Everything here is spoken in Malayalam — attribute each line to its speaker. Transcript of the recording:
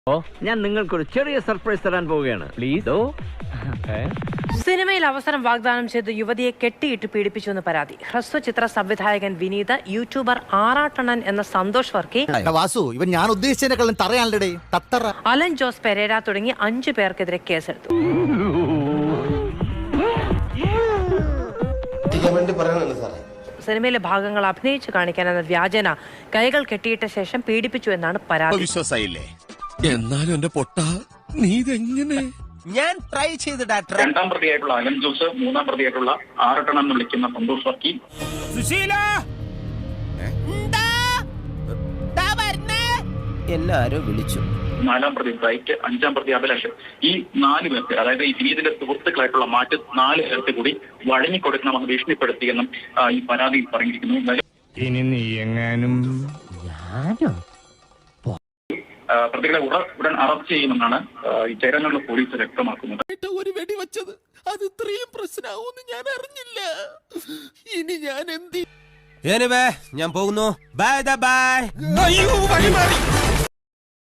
Speaker 1: ഞാൻ നിങ്ങൾക്കൊരു ചെറിയ സർപ്രൈസ് തരാൻ പോവുകയാണ്. പ്ലീസ്.
Speaker 2: സിനിമയിൽ അവസരം വാഗ്ദാനം ചെയ്ത് യുവതിയെ കെട്ടിയിട്ട് പീഡിപ്പിച്ചുവെന്ന് പരാതി. ഹ്രസ്വചിത്ര സംവിധായകൻ വിനീത്, യൂട്യൂബർ ആറാട്ടണ്ണൻ എന്ന സന്തോഷ് വർക്കി,
Speaker 3: വാസു ഇവൻ ഞാൻ ഉദ്ദേശിച്ചതിനെക്കാളും തറയാണല്ലേ തത്തറ,
Speaker 2: അലൻ ജോസ് പെരേര തുടങ്ങി 5 പേർക്കെതിരെ കേസെടുത്തു. സിനിമയിലെ ഭാഗങ്ങൾ അഭിനയിച്ചു കാണിക്കാനെന്ന വ്യാജന കൈകൾ കെട്ടിയിട്ട ശേഷം പീഡിപ്പിച്ചു എന്നാണ് പരാതി.
Speaker 4: എന്നാലും എന്റെ പൊട്ട നീ ഇതെങ്ങനെ?
Speaker 3: ഞാൻ ട്രൈ ചെയ്ത്
Speaker 5: രണ്ടാം പ്രതിയായിട്ടുള്ള അലൻ ജോസ്, മൂന്നാം പ്രതിയായിട്ടുള്ള ആറട്ടണം എന്ന് വിളിക്കുന്ന സന്തോഷ് വർക്കി,
Speaker 3: എല്ലാരും വിളിച്ചു.
Speaker 5: നാലാം പ്രതി ബ്രൈറ്റ്, അഞ്ചാം പ്രതി അഭിലാഷ്, ഈ 4 പേർക്ക്, അതായത് ഈ വിനീതിന്റെ സുഹൃത്തുക്കളായിട്ടുള്ള മറ്റ് 4 പേർക്ക് കൂടി വഴങ്ങിക്കൊടുക്കണമെന്ന് ഭീഷണിപ്പെടുത്തിയെന്നും ഈ പരാതിയിൽ പറഞ്ഞിരിക്കുന്നു.
Speaker 1: ഇനി നീ എങ്ങാനും
Speaker 5: പ്രതികളെ ഉടൻ അറസ്റ്റ് ചെയ്യുമെന്നാണ് ഈ ചേരാനുള്ള പോലീസ് വ്യക്തമാക്കുന്നത്.
Speaker 4: ഒരു വെടി വെച്ചത് അത് ഇത്രയും പ്രശ്നമാവുമെന്ന് ഞാൻ അറിഞ്ഞില്ല. ഇനി ഞാൻ എന്ത്?
Speaker 3: ഞാൻ പോകുന്നു. Bye bye.
Speaker 4: അയ്യോ വഴി മാറി.